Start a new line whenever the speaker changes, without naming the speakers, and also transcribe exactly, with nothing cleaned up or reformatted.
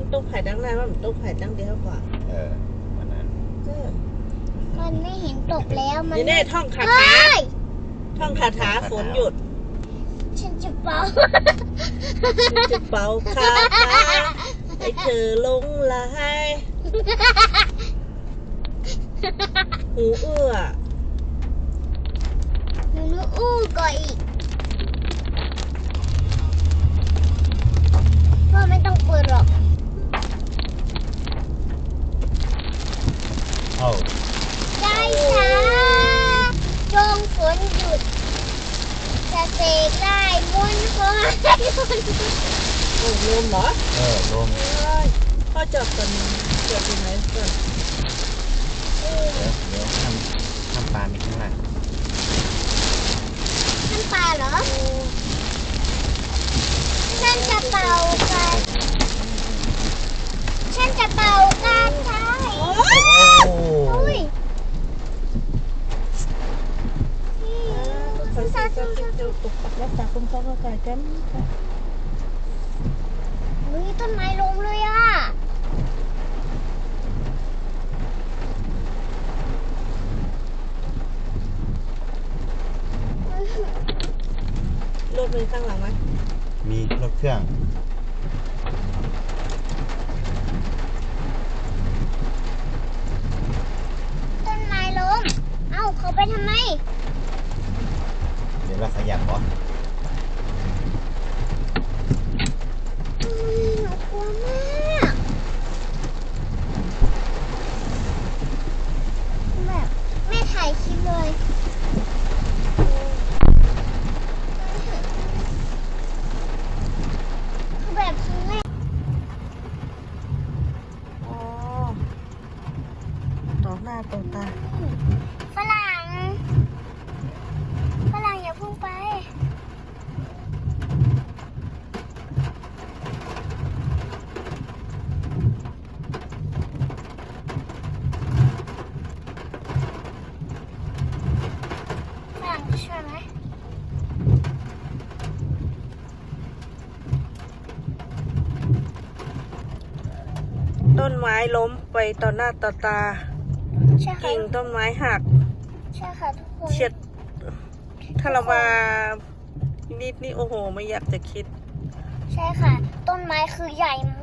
ต้องไผ่ดังนั้นว่ามันต้องไผ่ดังเดียวกว่า
เออวันนั้น
มันไม่เห็นตกแล้วมัน
นี่แน่ท่องคาถาท่องคาถาฝนหยุด
ฉันจะเป่า
ฉันจะเป่าคาถาให้เธอลงไหลหูเอื้อ
หนูนูอู้ก่อนอีกพ่อไม่ต้องเปิดหรอก
โอ้
ได้ช้าจงฝนหยุดจะเสกได้บนฟ้า
โอ้ลมเหรอ
เออลม
พ่อจอดกันจอดที่ไหนก่อน
เดี๋ยวเดี๋ยวทำทำปลามีข้างหลัง
น้ำปลาเหรอฉันจะเป่ากันฉันจะเป่ากันใช่โอ้ย
รักษาคุณพ่อก็ไก่กัน
เฮ้ยต้นไม้ล้มเลยอ่ะ
รถมีข้างหลังไหม
มีรถเครื่อง
ต้นไม้ล้มเอ้าเขาไปทำไม
เดี๋ยวเราขยับก่อน
หนูกลัวมากแบบแม่ถ่ายคลิปเลยแบบครั้งแรก
อ๋อต่อหน้าต่อตา
ฝรั่งฝรั่งอย่าพุ่งไปฝรั่งจะช่วยไหม
ต้นไม้ล้มไปต่อหน้าต่อตากิ่งต้นไม้หัก
ใช่ค่ะทุกคน
เฉียดถ้าเรามานิดนี่โอ้โหไม่อยากจะคิด
ใช่ค่ะต้นไม้คือใหญ่